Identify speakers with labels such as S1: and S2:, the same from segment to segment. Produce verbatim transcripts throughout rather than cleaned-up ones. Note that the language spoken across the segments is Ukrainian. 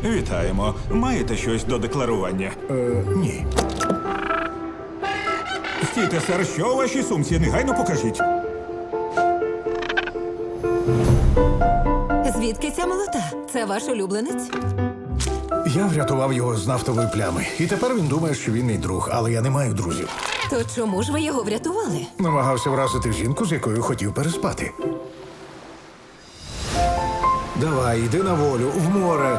S1: Вітаємо. Маєте щось до декларування?
S2: Е, ні.
S1: Стійте, сер, що у вашій сумці? Негайно покажіть.
S3: Звідки ця молота? Це ваш улюбленець?
S2: Я врятував його з нафтової плями. І тепер він думає, що він мій друг, але я не маю друзів.
S3: То чому ж ви його врятували?
S2: Намагався вразити жінку, з якою хотів переспати. Давай, йди на волю, в море.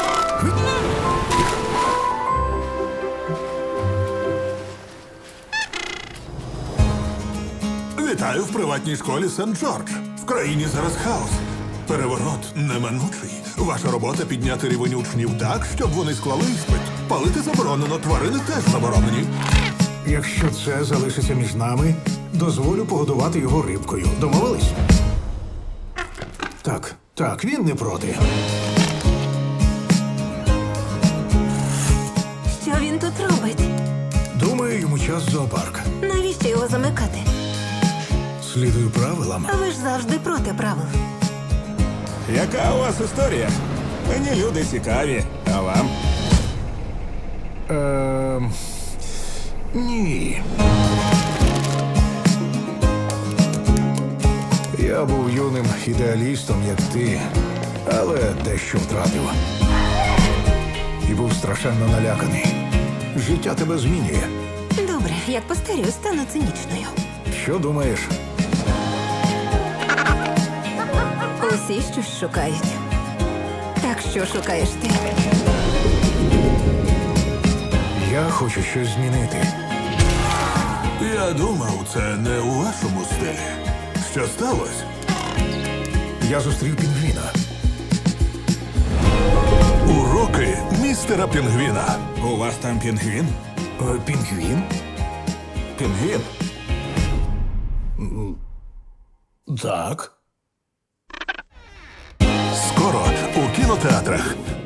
S4: Вітаю в приватній школі Сент-Джордж. В країні зараз хаос. Переворот неминучий. Ваша робота підняти рівень учнів так, щоб вони склали іспит. Палити заборонено, тварини теж заборонені.
S2: Якщо це залишиться між нами, дозволю погодувати його рибкою. Домовились? Так, так, він не проти.
S3: Що він тут робить?
S2: Думаю, йому час в зоопарк.
S3: Навіщо його замикати?
S2: Слідую правилам.
S3: А ви ж завжди проти правил.
S1: Яка у вас історія? Мені люди цікаві. А вам?
S2: Ем... Ні. Я був юним ідеалістом, як ти, але дещо втратив. І був страшенно наляканий. Життя тебе змінює.
S3: Добре, як постарію, стану цинічною.
S2: Що думаєш?
S3: Усі щось шукають. Так що шукаєш ти?
S2: Я хочу щось змінити.
S4: Я думав, це не у вашому стилі. Що сталося?
S2: Я зустрів пінгвіна.
S4: Уроки містера Пінгвіна.
S1: У вас там пінгвін?
S2: Е, Пінгвін?
S1: Пінгвін?
S2: Так.
S4: Скоро у кінотеатрах.